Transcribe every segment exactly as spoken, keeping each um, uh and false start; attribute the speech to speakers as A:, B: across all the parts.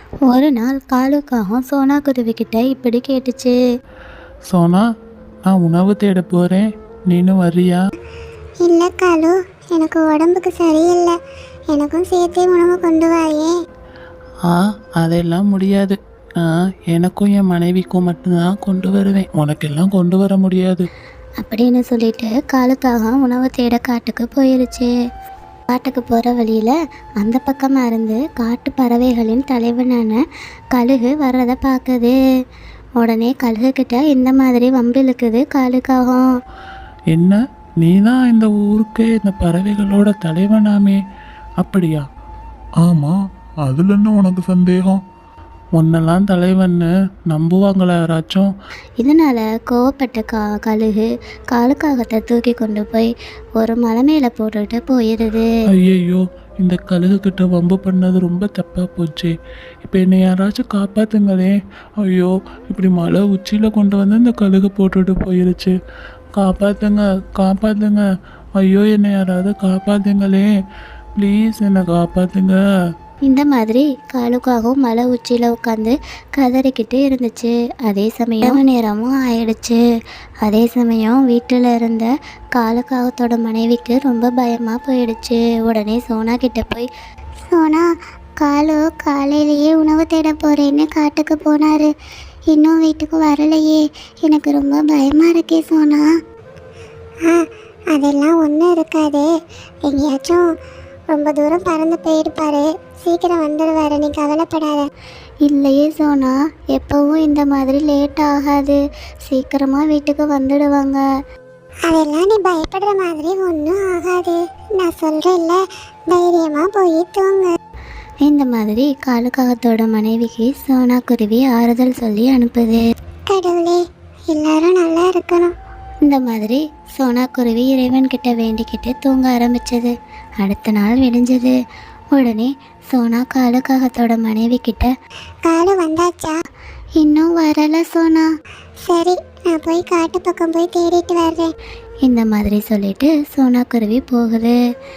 A: ஒரு நாள் காலுக்காகவும் சோனா குருவிக்கிட்ட இப்படி கேட்டுச்சு.
B: சோனா, நான் உணவு தேட போகிறேன், நீனும் வர்றியா?
C: இல்லை காலு, எனக்கு உடம்புக்கு சரியில்லை, எனக்கும் சேர்த்தே உணவு கொண்டு வாயே.
B: ஆ, அதெல்லாம் முடியாது. நான் எனக்கும் என் மனைவிக்கும் மட்டும்தான் கொண்டு வருவேன், உனக்கெல்லாம் கொண்டு வர முடியாது
A: அப்படின்னு சொல்லிட்டு காலுக்காக உணவு தேட காட்டுக்கு போயிருச்சு. காட்டுக்கு போகிற வழியில் அந்த பக்கமாக இருந்து காட்டு பறவைகளின் தலைவனான கழுகு வர்றதை பார்க்குது. உடனே கழுகுக்கிட்ட இந்த மாதிரி வம்பு இழுக்குது காலுக்காகும்.
B: என்ன, நீ தான் இந்த ஊருக்கு இந்த பறவைகளோட தலைவனாமே, அப்படியா?
D: ஆமாம், அதில் என்ன உனக்கு சந்தேகம்?
B: உன்னெல்லாம் தலைவன்னு நம்புவாங்களா யாராச்சும்?
A: இதனால் கோவப்பட்ட கா கழுகு காலுக்காகத்தை தூக்கி கொண்டு போய் ஒரு மலை மேலே போட்டுட்டு போயிடுது.
B: ஐயையோ, இந்த கழுகுக்கிட்ட வம்பு பண்ணது ரொம்ப தப்பாக போச்சு. இப்போ என்னை யாராச்சும் காப்பாற்றுங்களே. ஐயோ, இப்படி மலை உச்சியில் கொண்டு வந்து இந்த கழுகு போட்டுட்டு போயிருச்சு. காப்பாற்றுங்க, காப்பாற்றுங்க. ஐயோ, என்னை யாராவது காப்பாற்றுங்களே, ப்ளீஸ் என்னை காப்பாற்றுங்க.
A: இந்த மாதிரி காலுக்காகவும் மலை உச்சியில் உட்காந்து கதறிக்கிட்டு இருந்துச்சு. அதே சமயம் நேரமும் ஆயிடுச்சு. அதே சமயம் வீட்டில் இருந்த காலுக்காகத்தோட மனைவிக்கு ரொம்ப பயமாக போயிடுச்சு. உடனே சோனா கிட்ட போய்,
C: சோனா, காலு காலையிலேயே உணவு தேட போகிறேன்னு காட்டுக்கு போனார், இன்னும் வீட்டுக்கு வரலையே, எனக்கு ரொம்ப பயமாக இருக்கே சோனா. ஆ, அதெல்லாம் ஒன்றும் இருக்காது, எங்கேயாச்சும் ரொம்ப தூரம் பறந்து போயிருப்பாரு, சீக்கிரம் வந்துடுவாரு, நீ கவலைப்படாத.
A: இல்லையே சோனா, எப்போவும் இந்த மாதிரி லேட் ஆகாது, சீக்கிரமாக வீட்டுக்கு வந்துடுவாங்க.
C: அதெல்லாம் நீ பயப்படுற மாதிரி ஒன்றும் ஆகாது, நான் சொல்கிறேன்ல, தைரியமாக போய் தூங்கு.
A: இந்த மாதிரி காலுக்காகத்தோட மனைவிக்கு சோனா குருவி ஆறுதல் சொல்லி அனுப்புது.
C: கடவுளே, எல்லாரும் நல்லா இருக்கணும்.
A: இந்த மாதிரி சோனா குருவி இறைவன்கிட்ட வேண்டிக்கிட்டு தூங்க ஆரம்பிச்சது. அடுத்த நாள் விடிஞ்சது. உடனே சோனா காலுக்காகத்தோட மனைவி கிட்ட,
C: காலு வந்தாச்சா?
A: இன்னும் வரல சோனா.
C: சரி, நான் போய் காட்டு பக்கம் போய் தேடிட்டு வர்றேன்.
A: இந்த மாதிரி சொல்லிட்டு சோனா குருவி போகுது.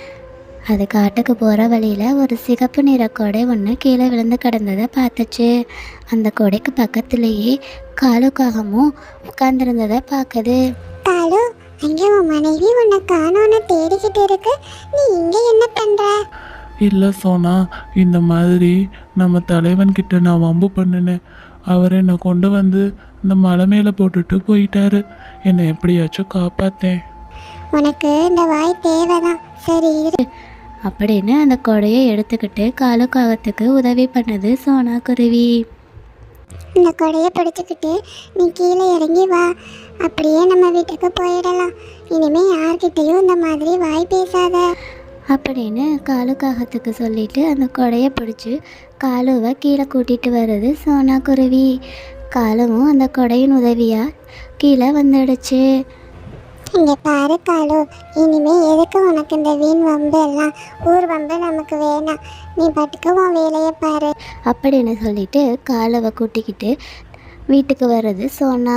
A: அது காட்டுக்கு போகிற வழியில் ஒரு சிகப்பு நிற கொடை ஒன்று கீழே விழுந்து கிடந்ததை பார்த்துச்சு. அந்த கொடைக்கு பக்கத்துலேயே காலுக்காகமும் உட்கார்ந்துருந்ததை பார்க்குது.
C: காலு, அங்கே உன் மனைவி உன்னை காணோன்னு தேடிக்கிட்டு இருக்கு, நீ இங்கே என்ன பண்ணுற?
B: இல்லை சோனா, இந்த மாதிரி நம்ம தலைவன்கிட்ட நான் வம்பு பண்ணினேன். அவர் என்னை கொண்டு வந்து இந்த மலை மேலே போட்டுட்டு போயிட்டாரு. என்னை எப்படியாச்சும் காப்பாற்றேன்.
C: உனக்கு இந்த வாய் தேவைதான், சரி இரு.
A: அப்படின்னு அந்த கொடையை எடுத்துக்கிட்டு காலுக்காகத்துக்கு உதவி பண்ணுது சோனா குருவி.
C: இந்த கொடையை பிடிச்சிக்கிட்டு நீ கீழே இறங்கி வா, அப்படியே நம்ம வீட்டுக்கு போயிடலாம். இனிமேல் யார்கிட்டையும் இந்த மாதிரி வாய் பேசாத
A: அப்படின்னு காலுக்காகத்துக்கு சொல்லிட்டு அந்த கொடையை பிடிச்சி காலுவை கீழே கூட்டிகிட்டு வருது சோனா குருவி. காலுவும் அந்த கொடையின் உதவியாக கீழே வந்துடுச்சு.
C: இங்கே பாரு காலு, இனிமே எதுக்கு உனக்கு இந்த வீண் வம்பு எல்லாம்? ஊர் வம்பு நமக்கு வேணாம், நீ பாட்டுக்கு உன் வேலையை பாரு
A: அப்படின்னு சொல்லிட்டு காலுவை கூட்டிக்கிட்டு வீட்டுக்கு வர்றது சோனா.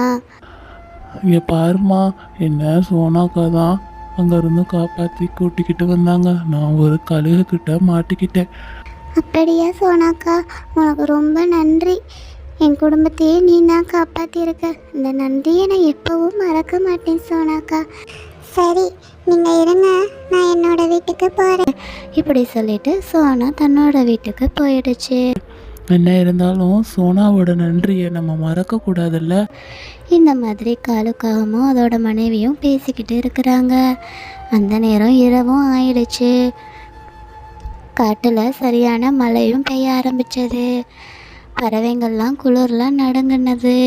B: இங்கே பாருமா, என்ன சோனாக்கா தான் அங்கேருந்து காப்பாற்றி கூட்டிக்கிட்டு வந்தாங்க. நான் ஒரு கழுகுக்கிட்ட மாட்டிக்கிட்டேன்.
C: அப்படியா சோனாக்கா, உனக்கு ரொம்ப நன்றி. என் குடும்பத்தையே நீ தான் காப்பாற்றிருக்க, இந்த நன்றியை நான் எப்பவும் மறக்க மாட்டேன் சோனாக்கா. சரி, நீங்கள் இருங்க, நான் என்னோட வீட்டுக்கு போகிறேன்.
A: இப்படி சொல்லிட்டு சோனா தன்னோட வீட்டுக்கு போயிடுச்சு.
B: என்ன இருந்தாலும் சோனாவோட நன்றியை நம்ம மறக்கக்கூடாதுல்ல.
A: இந்த மாதிரி காலுக்காகவும் அதோட மனைவியும் பேசிக்கிட்டு இருக்கிறாங்க. அந்த நேரம் இரவும் ஆயிடுச்சு. காட்டில் சரியான மழையும் பெய்ய ஆரம்பிச்சது. பறவைங்கள்லாம் குளிர்லாம் நடுங்கினது.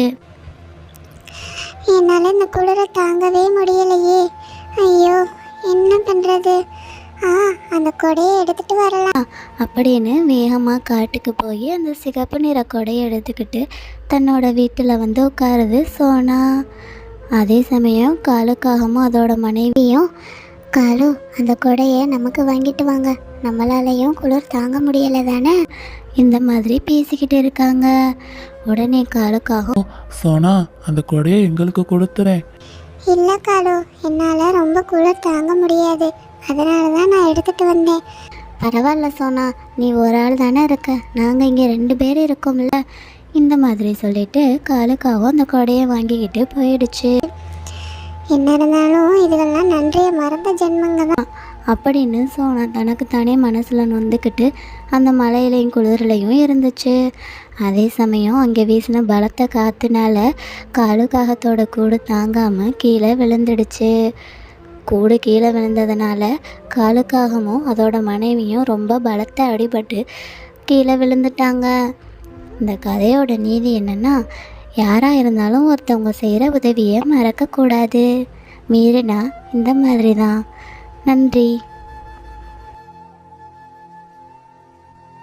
C: என்னால் இந்த குளிரை தாங்கவே முடியலையே, ஐயோ என்ன பண்ணுறது? ஆ, அந்த கொடையை எடுத்துகிட்டு வரலாம்
A: அப்படின்னு வேகமாக காட்டுக்கு போய் அந்த சிகப்பு நிற கொடையை எடுத்துக்கிட்டு தன்னோட வீட்டில் வந்து உட்காருது சோனா. அதே சமயம் காலுக்காகவும் அதோட மனைவியும்,
C: காலு, அந்த கொடையை நமக்கு வாங்கிட்டு வாங்க, நம்மளாலையும் குளிர் தாங்க முடியலை தானே,
A: இந்த மாதிரி பேசிக்கிட்டு இருக்காங்க. உடனே காலுக்காகவும்,
B: சோனா, அந்த கொடையை எங்களுக்கு கொடுத்துறேன்.
C: இல்லை காலு, என்னால் ரொம்ப குளிர் தாங்க முடியாது, அதனால தான் நான் எடுத்துகிட்டு வந்தேன்.
A: பரவாயில்ல சோனா, நீ ஒரு ஆள் தானே இருக்க, நாங்கள் இங்கே ரெண்டு பேர் இருக்கோம்ல. இந்த மாதிரி சொல்லிட்டு காலுக்காகவும் அந்த கொடையை வாங்கிக்கிட்டு போயிடுச்சு.
C: என்ன இருந்தாலும் இதுகள்லாம் நன்றியை மறந்த ஜென்மங்க தான்.
A: அப்படின்னு சோனா தனக்கு தானே மனசில் நொந்துக்கிட்டு அந்த மலையிலையும் குளிர்லையும் இருந்துச்சு. அதே சமயம் அங்கே வீசின பலத்த காற்றுனால காலுக்காகத்தோட கூடு தாங்காமல் கீழே விழுந்துடுச்சு. கூடு கீழே விழுந்ததுனால காலுக்காகமும் அதோட மனைவியும் ரொம்ப பலத்த அடிபட்டு கீழே விழுந்துட்டாங்க. இந்த கதையோட நீதி என்னென்னா, யாராக இருந்தாலும் ஒருத்தவங்க செய்கிற உதவியை மறக்கக்கூடாது. மீறினா இந்த மாதிரி தான். நன்றி.